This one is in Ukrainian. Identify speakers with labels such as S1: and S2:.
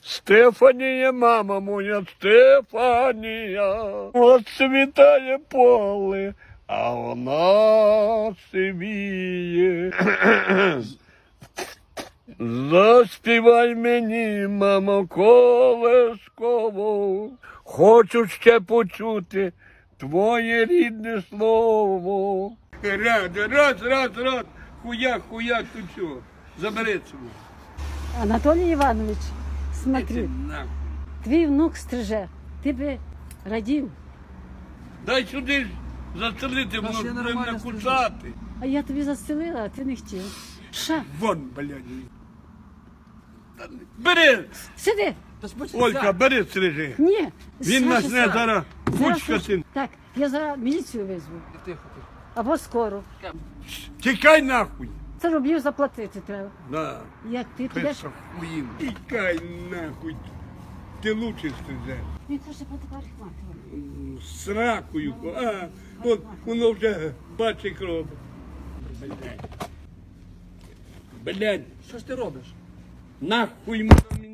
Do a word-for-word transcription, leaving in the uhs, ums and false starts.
S1: Стефанія, мама моя, Стефанія, оцвітає поле, а вона сивіє. Заспівай мені, мамо, колисково, хочу ще почути твоє рідне слово. Раз, раз, раз, раз, хуяк, хуяк, тут все, забери цього.
S2: Анатолій Іванович, смотри,
S1: Іди нахуй.
S2: твій внук стриже, ти би радів,
S1: Дай сюди застелити, воно ж буде накусати.
S2: а я тобі застелила, а ти не хотів. Ша,
S1: Вон, блядь. Та не- Бери,
S2: сиди.
S1: Олька, бери стрижи.
S2: Ні,
S1: Він
S2: Саша,
S1: нас не
S2: Саша.
S1: зараз
S2: Зараз
S1: кучкати.
S2: Так, я зараз міліцію визву. Або скоро.
S1: Тікай нахуй.
S2: Це рублів заплатити треба.
S1: Да.
S2: Як ти підеш,
S1: Писа хуїм. Тікай нахуй. Ти лучше стрижеш.
S2: він каже, подавархматувати.
S1: З ракою. А, вон, воно вже бачить кров. Блядь. Блядь.
S3: Що ж ти робиш?
S1: Нахуй мене